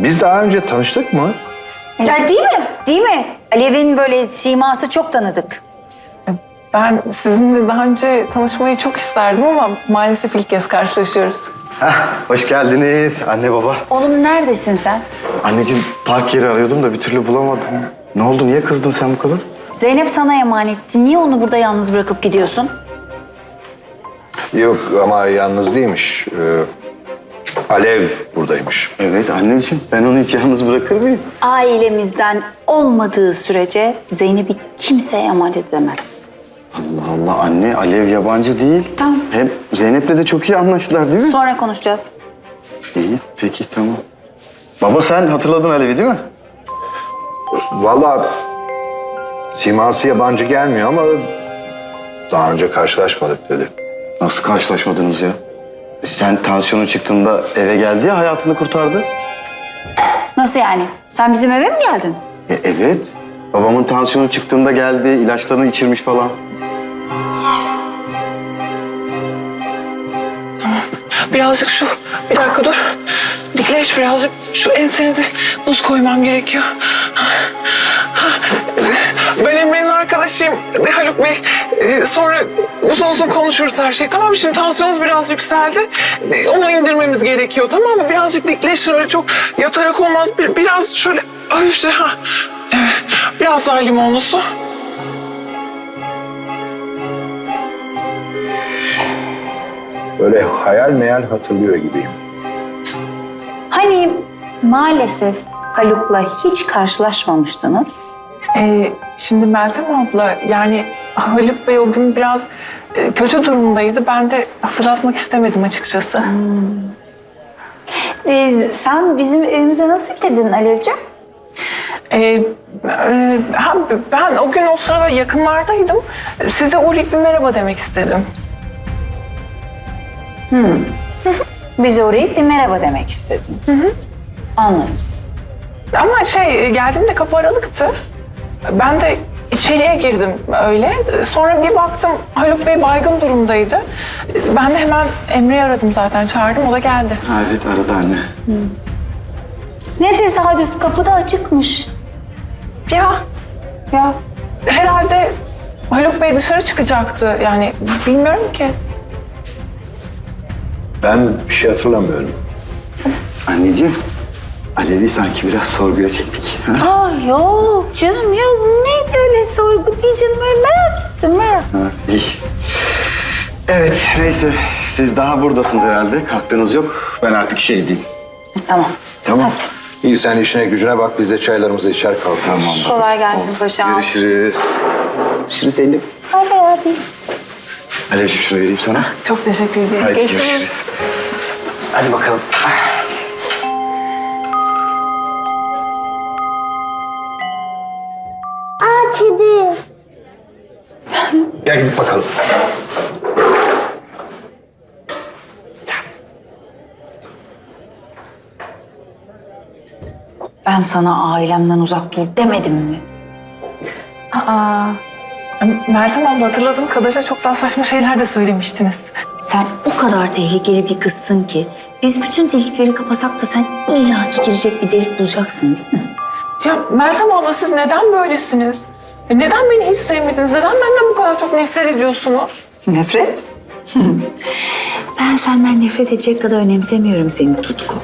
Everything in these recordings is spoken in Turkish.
Biz daha önce tanıştık mı? Ya değil mi? Değil mi? Alev'in böyle siması çok tanıdık. Ben sizinle daha önce tanışmayı çok isterdim ama maalesef ilk kez karşılaşıyoruz. Hoş geldiniz anne baba. Oğlum neredesin sen? Anneciğim park yeri arıyordum da bir türlü bulamadım. Ne oldu, niye kızdın sen bu kadar? Zeynep sana emanetti. Niye onu burada yalnız bırakıp gidiyorsun? Yok ama yalnız değilmiş. Alev buradaymış. Evet anneciğim, ben onu hiç yalnız bırakır mıyım? Ailemizden olmadığı sürece Zeynep'i kimseye emanet edemezsin. Allah Allah anne, Alev yabancı değil. Tamam. Hem Zeynep'le de çok iyi anlaştılar değil mi? Sonra konuşacağız. İyi, peki tamam. Baba sen hatırladın Alev'i değil mi? Vallahi siması yabancı gelmiyor ama daha önce karşılaşmadık dedi. Nasıl karşılaşmadınız ya? Sen tansiyonu çıktığında eve geldi ya, hayatını kurtardı. Nasıl yani? Sen bizim eve mi geldin? Evet. Babamın tansiyonu çıktığında geldi, ilaçlarını içirmiş falan. Birazcık bir dakika dur. Dikleş birazcık. Şu ensene de buz koymam gerekiyor. Ben Emre'nin arkadaşıyım Haluk Bey. Sonra uzun uzun konuşuruz her şeyi. Tamam mı? Şimdi tansiyonunuz biraz yükseldi. Onu indirmemiz gerekiyor, tamam mı? Birazcık dikleşin, öyle çok yatarak olmaz. Biraz şöyle hafifçe. Evet. Biraz daha limonlu su. Böyle hayal meyal hatırlıyor gibiyim. Hani maalesef Haluk'la hiç karşılaşmamıştınız. Şimdi Meltem abla, yani Haluk Bey o gün biraz kötü durumdaydı. Ben de hatırlatmak istemedim açıkçası. Sen bizim evimize nasıl geldin Alevciğim? Ben o gün o sırada yakınlardaydım. Size uğrayıp bir merhaba demek istedim. Bize uğrayıp bir merhaba demek istedin. Anladım. Ama geldiğimde kapı aralıktı. Ben de içeriye girdim öyle. Sonra bir baktım Haluk Bey baygın durumdaydı. Ben de hemen Emre'yi aradım zaten, çağırdım, o da geldi. Ha, evet aradı anne. Ne tesadüf, kapıda açıkmış. Ya Ya herhalde Haluk Bey dışarı çıkacaktı, yani bilmiyorum ki. Ben bir şey hatırlamıyorum. Anneciğim, Alev'i sanki biraz sorguya çektik. Ha? Aa, yok canım, yok. Neydi öyle sorgu değil canım, öyle merak ettim, merak. Ha, iyi. Evet, neyse. Siz daha buradasınız herhalde. Kalktığınız yok. Ben artık işe gideyim. Tamam. Tamam. Hadi. İyi sen işine gücüne bak, biz de çaylarımızı içer kalkarız. Tamam. Kolay gelsin paşam. Görüşürüz. Görüşürüz Zeynep. Bay bay abi. Alevciğim şunu vereyim sana. Çok teşekkür ederim. Hadi görüşürüz. Hadi bakalım. Kedi. Gel gidip bakalım. Ben sana ailemden uzak dur demedim mi? Meltem abla, hatırladığım kadarıyla çok daha saçma şeyler de söylemiştiniz. Sen o kadar tehlikeli bir kızsın ki biz bütün delikleri kapasak da sen illaki girecek bir delik bulacaksın değil mi? Ya Meltem abla, siz neden böylesiniz? Neden beni hiç sevmediniz? Neden benden bu kadar çok nefret ediyorsunuz? Nefret? Ben senden nefret edecek kadar önemsemiyorum seni Tutku.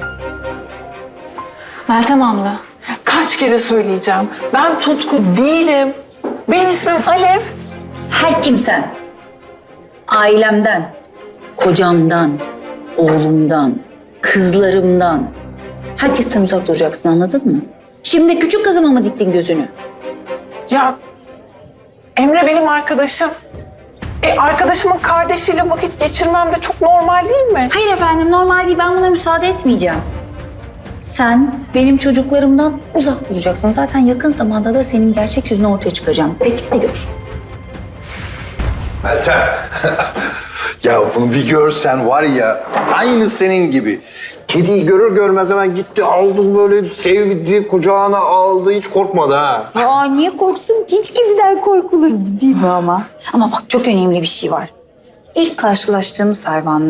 Meltem abla, kaç kere söyleyeceğim? Ben Tutku değilim. Benim ismim Alev. Her kimsen, ailemden, kocamdan, oğlumdan, kızlarımdan, herkesten uzak duracaksın, anladın mı? Şimdi küçük kızıma mı diktin gözünü? Ya Emre benim arkadaşım. Arkadaşımın kardeşiyle vakit geçirmem de çok normal değil mi? Hayır efendim, normal değil, ben buna müsaade etmeyeceğim. Sen benim çocuklarımdan uzak duracaksın. Zaten yakın zamanda da senin gerçek yüzünü ortaya çıkaracağım. Bekle de gör. Meltem. Ya bunu bir görsen var ya, aynı senin gibi. Kediyi görür görmez hemen gitti, aldı böyle sevdi, kucağına aldı, hiç korkmadı ha. Ya niye korksun ki? Hiç kediden korkulur değil mi ama? Ama bak, çok önemli bir şey var. İlk karşılaştığımız hayvanlara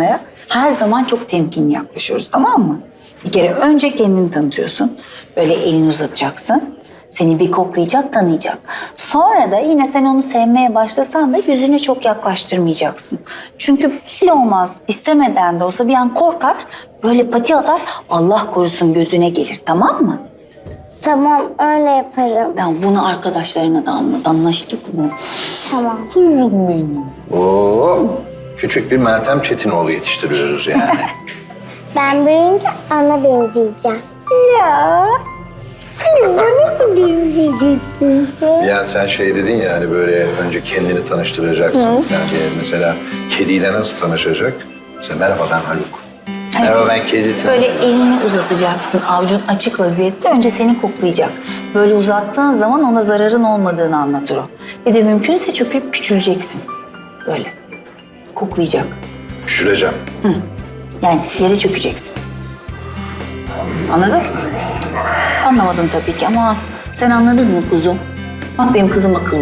Her zaman çok temkinli yaklaşıyoruz, tamam mı? Bir kere önce kendini tanıtıyorsun. Böyle elini uzatacaksın. Seni bir koklayacak, tanıyacak. Sonra da yine sen onu sevmeye başlasan da yüzüne çok yaklaştırmayacaksın. Çünkü belli olmaz. İstemeden de olsa bir an korkar, böyle pati atar, Allah korusun gözüne gelir, tamam mı? Tamam, öyle yaparım. Ben bunu arkadaşlarına da anlat, anlaştık mı? Tamam. Kuzum benim. Oo, küçük bir Meltem Çetinoğlu yetiştiriyoruz yani. Ben büyüyünce ana benzeyeceğim. Ya. Ay, bana mı benzeyeceksin sen? Ya sen şey dedin ya hani böyle önce kendini tanıştıracaksın. Yani mesela kediyle nasıl tanışacak? Mesela merhaba ben Haluk. Merhaba ben kedi. Böyle elini uzatacaksın, avucun açık vaziyette. Önce seni koklayacak. Böyle uzattığın zaman ona zararın olmadığını anlatır o. Bir de mümkünse çöküp küçüleceksin. Böyle. Koklayacak. Küçüleceğim. Yani yere çökeceksin. Anladın? Anlamadın tabii ki ama sen anladın mı kuzum? Bak benim kızım akıllı.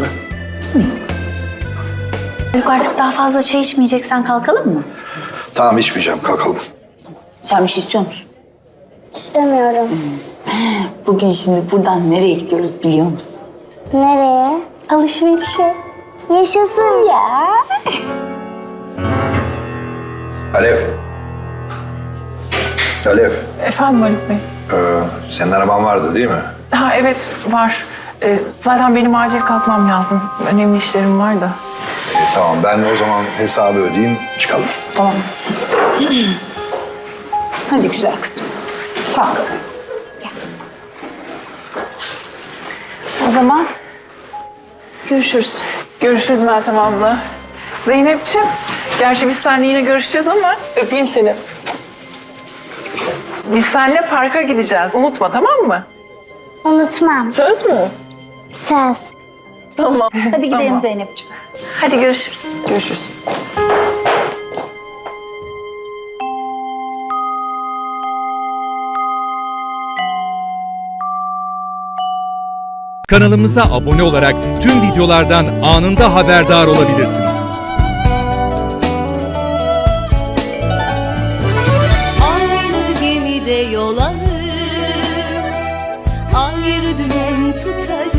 Haluk, artık daha fazla çay içmeyeceksen kalkalım mı? Tamam içmeyeceğim kalkalım. Sen bir şey istiyor musun? İstemiyorum. Bugün şimdi buradan nereye gidiyoruz biliyor musun? Nereye? Alışverişe. Yaşasın. Ya. Alev. Alev. Efendim Haluk Bey? Senin araban vardı değil mi? Ha evet var. Zaten benim acil kalkmam lazım. Önemli işlerim var da. Tamam ben o zaman hesabı ödeyeyim çıkalım. Tamam. Hadi güzel kızım. Kalk. Gel. O zaman görüşürüz. Görüşürüz Meltem abla. Zeynep'ciğim, gerçi biz seninle yine görüşeceğiz ama öpeyim seni. Biz seninle parka gideceğiz. Unutma, tamam mı? Unutmam. Söz mü? Söz. Tamam. Hadi gidelim Tamam. Zeynep'ciğim. Hadi görüşürüz. Görüşürüz. Kanalımıza abone olarak tüm videolardan anında haberdar olabilirsiniz. Aynı gemide yol alır, ayrı dümen tutarız.